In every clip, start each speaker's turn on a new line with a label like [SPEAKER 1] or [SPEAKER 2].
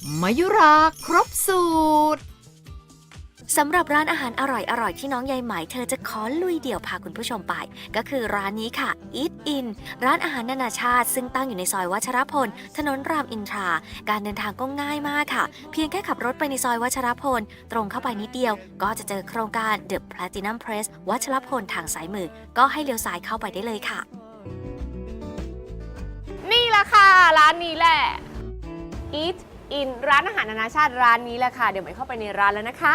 [SPEAKER 1] มายุราครบสูตร
[SPEAKER 2] สำหรับร้านอาหารอร่อยๆที่น้องยายไหมเธอจะขอลุยเดี่ยวพาคุณผู้ชมไปก็คือร้านนี้ค่ะ Eat In ร้านอาหารนานาชาติซึ่งตั้งอยู่ในซอยวัชรพลถนนรามอินทราการเดินทางก็ง่ายมากค่ะเพียงแค่ขับรถไปในซอยวัชรพลตรงเข้าไปนิดเดียวก็จะเจอโครงการ The Platinum Press วัชรพลทางซ้ายมือก็ให้เลี้ยวซ้ายเข้าไปได้เลยค่ะ
[SPEAKER 3] นี่แหละค่ะร้านนี้แหละ Eat In ร้านอาหารนานาชาติร้านนี้แหละค่ะเดี๋ยวไปเข้าไปในร้านแล้วนะคะ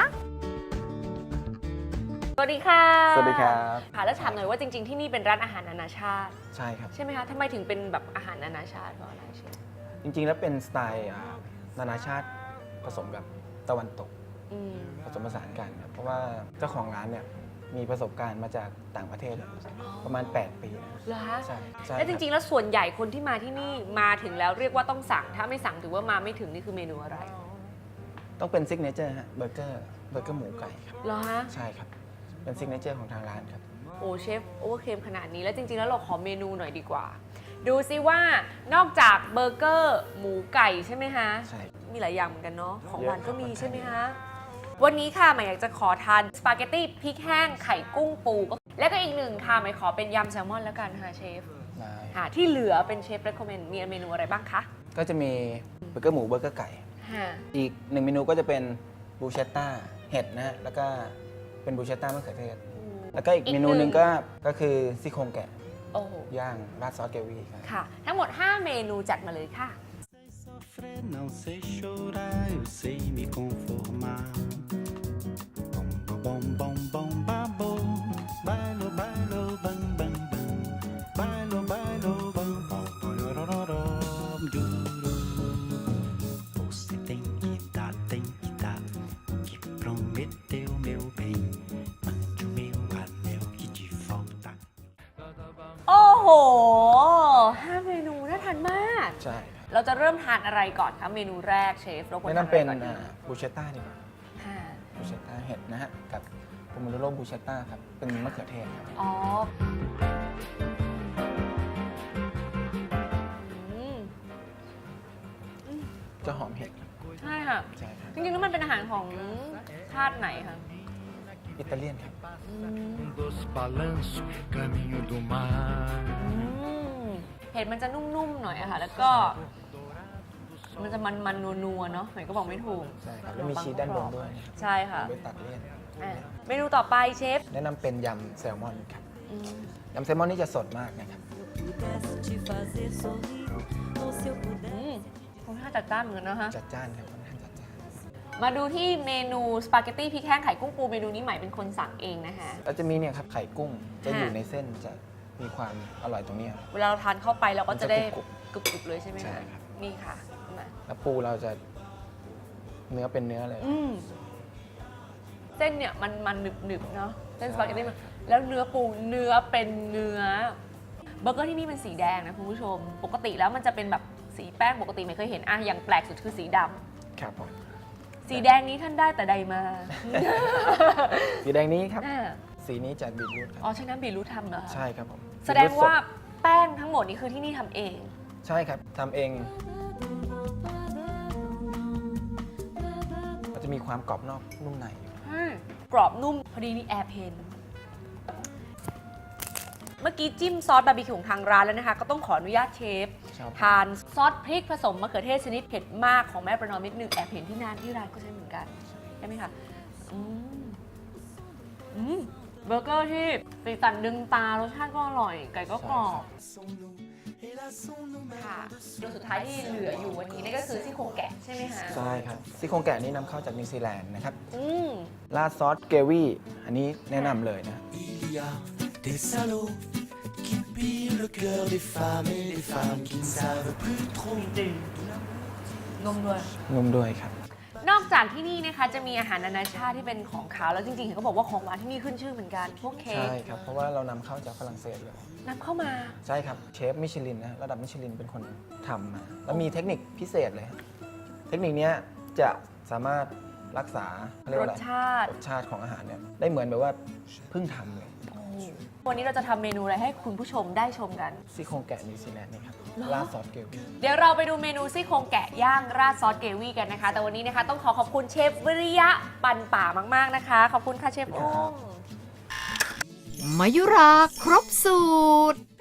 [SPEAKER 3] สวัสดีค่ะ
[SPEAKER 4] สวัสดีครับ
[SPEAKER 3] ค่ะแล้วถามหน่อยว่าจริงๆที่นี่เป็นร้านอาหารนานาชาติ
[SPEAKER 4] ใช่ครับ
[SPEAKER 3] ใช่ไหมคะทำไมถึงเป็นแบบอาหารนานาชาติเพราะอะไรเชฟ
[SPEAKER 4] จริงๆแล้วเป็นสไตล์นานาชาติผสมกับตะวันตก
[SPEAKER 3] อืม
[SPEAKER 4] ผสมผสานกันครับเพราะว่าเจ้าของร้านเนี่ยมีประสบการณ์มาจากต่างประเทศประมาณ 8 ปีนะ
[SPEAKER 3] เหรอคะ
[SPEAKER 4] ใช่ใช่
[SPEAKER 3] แล้วจริงๆแล้วส่วนใหญ่คนที่มาที่นี่มาถึงแล้วเรียกว่าต้องสั่งถ้าไม่สั่งถือว่ามาไม่ถึงนี่คือเมนูอะไร
[SPEAKER 4] ต้องเป็นซิกเนเจอร์ฮะเบอร์เกอร์หมูไก่ครับ
[SPEAKER 3] เหรอฮะ
[SPEAKER 4] ใช่ครับเป็นซิกเนเจอร์ของทางร้านครับ
[SPEAKER 3] โอ้เชฟโอเวอร์เคมขนาดนี้แล้วจริงๆแล้วเราขอเมนูหน่อยดีกว่า ดูซิว่านอกจากเบอร์เกอร์หมูไก่ใช่ไหมคะ
[SPEAKER 4] ใช่
[SPEAKER 3] มีหลายอย่างเหมือนกันเนาะของหวานก็มี
[SPEAKER 4] เยอะครับ
[SPEAKER 3] ใช่ไหมคะวันนี้ค่ะหมายอยากจะขอทานสปาเกตตี้พริกแห้งไข่กุ้งปูและก็อีกหนึ่งค่ะหมายขอเป็นยำแซลมอนแล้วกันค่ะเชฟ
[SPEAKER 4] ได้
[SPEAKER 3] ค่ะที่เหลือเป็นเชฟเรคคอมเมนต์มีเมนูอะไรบ้างคะ
[SPEAKER 4] ก็จะมีเบอร์เกอร์หมูเบอร์เกอร์ไก่
[SPEAKER 3] ค่ะ
[SPEAKER 4] อีก1เมนูก็จะเป็นบูเชตต้าเห็ดนะฮะแล้วก็เป็นบูเชตต้ามะเขือเทศแล้วก็อีกเมนูหนึ่งก็คือซี่โครงแกะ
[SPEAKER 3] โอ้โห
[SPEAKER 4] ย่างราดซอสเกวี่ครับ
[SPEAKER 3] ค่ะ ทั้งหมด 5 เมนูจัดมาเลยค่ะ
[SPEAKER 5] Sofrer, não sei chorar, eu sei me conformar. Bom, bom, bom, bom, babo, bailo, bailo, bam, bam, bam, bailo, bailo, bam, bam, borororó, duro. Você tem que dar, que prometeu meu bem, mande o meu anel que de volta.
[SPEAKER 3] โอ้โห 5 เมนูน่าทานมาก
[SPEAKER 4] ใช่ครับ
[SPEAKER 3] เราจะเริ่มทานอะไรก่อนคะเมนูแรกเชฟเราควร
[SPEAKER 4] แนะ
[SPEAKER 3] ทาน
[SPEAKER 4] นำ
[SPEAKER 3] อะ
[SPEAKER 4] เป็
[SPEAKER 3] ไร
[SPEAKER 4] น
[SPEAKER 3] ก่อนดี
[SPEAKER 4] บูเชตต้าดีกว่า
[SPEAKER 3] ค่ะ
[SPEAKER 4] บูเชตต้าเห็ดนะฮะกับโพโมโดโรบูเชตต้าครับเป็นมะเขือเทศครับ
[SPEAKER 3] อ๋ออืม
[SPEAKER 4] จะหอมเห็ดครับ
[SPEAKER 3] ใช่ค่ะ
[SPEAKER 4] ใช่ครับ
[SPEAKER 3] จริงๆแล้วมันเป็นอาหารของชาติไหนคะ
[SPEAKER 4] อิตาเลียนครับ
[SPEAKER 5] Dos balanços, caminho do mar.
[SPEAKER 3] เห็ดมันจะนุ่มๆหน่อยอะค่ะ แล้วก็มันจะมันๆนัวๆเนาะหมายก็บอกไม่ถูก
[SPEAKER 4] ใช่ครับแล้วมีชีสด้านบนด้วยนะครับ
[SPEAKER 3] ใช่ค่ะ
[SPEAKER 4] ไปตัดเลี่ยน
[SPEAKER 3] อ่ะเมนูต่อไปเชฟ
[SPEAKER 4] แนะนำเป็นยำแซลมอนครับ
[SPEAKER 3] อืม
[SPEAKER 4] ยำแซลมอนนี่จะสดมากนะครับ
[SPEAKER 3] ค่อนข้างจัดจ้านเหมือนกันนะฮะ
[SPEAKER 4] จัดจ้านครับค่อนข้างจัดจ้าน
[SPEAKER 3] มาดูที่เมนูสปาเกตตี้พริกแห้งไข่กุ้งปูเมนูนี้ใหม่เป็นคนสั่งเองนะคะ
[SPEAKER 4] แล้วจะมีเนี่ยครับไข่กุ้งจะอยู่
[SPEAKER 3] ค่ะ
[SPEAKER 4] ในเส้นจะมีความอร่อยตรงเนี้ย
[SPEAKER 3] เวลาเราทานเข้าไปเราก็จะได้
[SPEAKER 4] มันจะกรุบ
[SPEAKER 3] กรุบๆเลยใช่ไหม
[SPEAKER 4] ใช่
[SPEAKER 3] คะ
[SPEAKER 4] ครับ
[SPEAKER 3] นี่ค่ะมา
[SPEAKER 4] แล้วปูเราจะเนื้อเป็นเนื้อเลย
[SPEAKER 3] เส้นเนี่ยมันหนึบๆเนาะเส้น
[SPEAKER 4] ใช่
[SPEAKER 3] สปาเกตตี้มันแล้วเนื้อปูเนื้อเป็นเนื้อเบอร์เกอร์ที่นี่เป็นสีแดงนะคุณผู้ชม ปกติแล้วมันจะเป็นแบบสีแป้งปกติไม่เคยเห็นอ่ะอย่างแปลกสุดคือสีดำ
[SPEAKER 4] ครับผม
[SPEAKER 3] สีแดงนี้ท่านได้แต่ใดมา
[SPEAKER 4] สีแดงนี้ครับ
[SPEAKER 3] อ่า
[SPEAKER 4] สีนี้จากบีทรูทครับ
[SPEAKER 3] อ๋อใช้น้ำบีทรูททำเหรอคะ
[SPEAKER 4] ใช่ครับผม
[SPEAKER 3] แสดงว่าแป้งทั้งหมดนี้คือที่นี่ทำเอง
[SPEAKER 4] ใช่ครับทำเองมันจะมีความกรอบนอกนุ่มในอยู่
[SPEAKER 3] กรอบนุ่มพอดีนี่แอร์เพนเมื่อกี้จิ้มซอสบาร์บีคิวของทางร้านแล้วนะคะ ก็ต้องขออนุญาตเชฟ
[SPEAKER 4] ครับ
[SPEAKER 3] ทานซอสพริกผสมมะเขือเทศชนิดเผ็ดมากของแม่ประนอมนิดนึงแอบเห็นที่ร้านก็ใช้เหมือนกันใช่ไหมคะอืมเบอร์เกอร์ที่สีสันดึงตารสชาติก็อร่อย ไก่ก็กรอบค่ะตัวสุดท้ายที่เหลืออยู่วันนี้นี่ก็คือซี่โครงแกะใช่ไหมคะ
[SPEAKER 4] ใช่ครับซี่โครงแกะนี่นำเข้าจากนิวซีแลนด์นะครับ
[SPEAKER 3] อืม
[SPEAKER 4] ราดซอสเกวี่อันนี้แนะนำเลยนะ
[SPEAKER 6] Il y a des salauds qui pillent le cœur des femmes et des femmes qui ne savent plus trop.
[SPEAKER 3] นมด้วย
[SPEAKER 4] นุ่มด้วยครับ
[SPEAKER 3] นอกจากที่นี่นะคะจะมีอาหารนานาชาติที่เป็นของขาวแล้วจริงๆเห็นเขาบอกว่าของหวานที่นี่ขึ้นชื่อเหมือนกัน พวกเค้ก
[SPEAKER 4] ใช่ครับ เพราะว่าเรานำเข้าจากฝรั่งเศสเลย
[SPEAKER 3] นำเข้ามา
[SPEAKER 4] ใช่ครับ เชฟมิชลินนะระดับมิชลินเป็นคนทำมา แล้วมีเทคนิคพิเศษเลยฮะเทคนิคเนี้ยจะสามารถรักษาเรียก
[SPEAKER 3] ร
[SPEAKER 4] ว่า
[SPEAKER 3] ส
[SPEAKER 4] อะไร
[SPEAKER 3] ชาติ
[SPEAKER 4] รสชาติของอาหารเนี่ยได้เหมือนแบบว่าเพิ่งทำเลย
[SPEAKER 3] โอ้วันนี้เราจะทำเมนูอะไรให้คุณผู้ชมได้ชมกัน
[SPEAKER 4] ซี่โครงแกะนิวซีแลนด์นี่ครับ
[SPEAKER 3] เหรอ
[SPEAKER 4] ราดซอสเกรวี่
[SPEAKER 3] เดี๋ยวเราไปดูเมนูซี่โครงแกะย่างราดซอสเกรวี่กันนะคะ แต่วันนี้นะคะต้องขอบคุณเชฟวิริยะปันป่ามากๆนะคะ ขอบคุณค่ะเชฟอุ้ม
[SPEAKER 1] มายุราครบสูตร